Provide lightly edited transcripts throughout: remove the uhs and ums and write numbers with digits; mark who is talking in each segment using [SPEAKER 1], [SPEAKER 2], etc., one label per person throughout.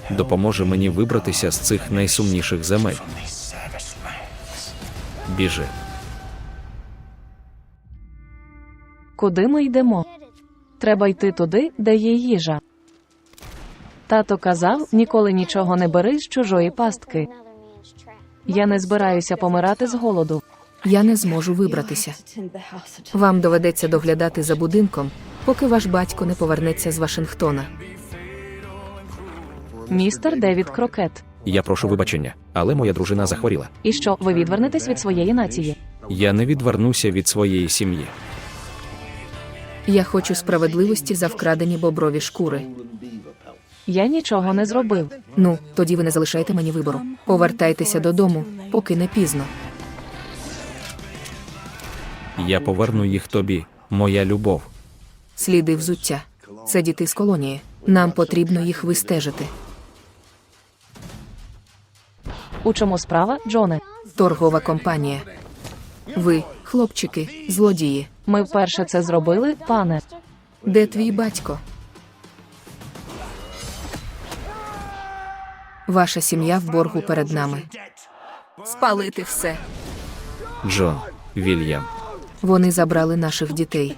[SPEAKER 1] допоможе мені вибратися з цих найсумніших земель. Біжи.
[SPEAKER 2] Куди ми йдемо? Треба йти туди, де є їжа. Тато казав, ніколи нічого не бери з чужої пастки. Я не збираюся помирати з голоду.
[SPEAKER 3] Я не зможу вибратися. Вам доведеться доглядати за будинком, поки ваш батько не повернеться з Вашингтона.
[SPEAKER 2] Містер Девід Крокет.
[SPEAKER 1] Я прошу вибачення, але моя дружина захворіла.
[SPEAKER 2] І що, ви відвернетесь від своєї нації?
[SPEAKER 1] Я не відвернуся від своєї сім'ї.
[SPEAKER 3] Я хочу справедливості за вкрадені боброві шкури.
[SPEAKER 2] Я нічого не зробив.
[SPEAKER 3] Ну, тоді ви не залишаєте мені вибору. Повертайтеся додому, поки не пізно.
[SPEAKER 1] Я поверну їх тобі, моя любов.
[SPEAKER 3] Сліди взуття. Це діти з колонії. Нам потрібно їх вистежити.
[SPEAKER 2] У чому справа, Джоне?
[SPEAKER 3] Торгова компанія. Ви, хлопчики, злодії.
[SPEAKER 2] Ми вперше це зробили, пане.
[SPEAKER 3] Де твій батько? Ваша сім'я в боргу перед нами. Спалити все.
[SPEAKER 1] Джон, Вільям.
[SPEAKER 3] Вони забрали наших дітей.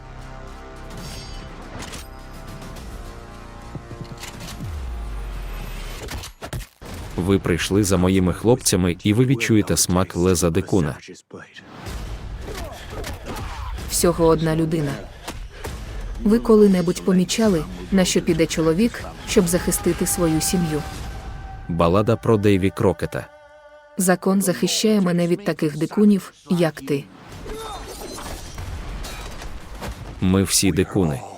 [SPEAKER 1] Ви прийшли за моїми хлопцями, і ви відчуєте смак леза дикуна.
[SPEAKER 3] Всього одна людина. Ви коли-небудь помічали, на що піде чоловік, щоб захистити свою сім'ю?
[SPEAKER 1] Балада про Дейві Крокета.
[SPEAKER 3] Закон захищає мене від таких дикунів, як ти.
[SPEAKER 1] Ми всі дикуни.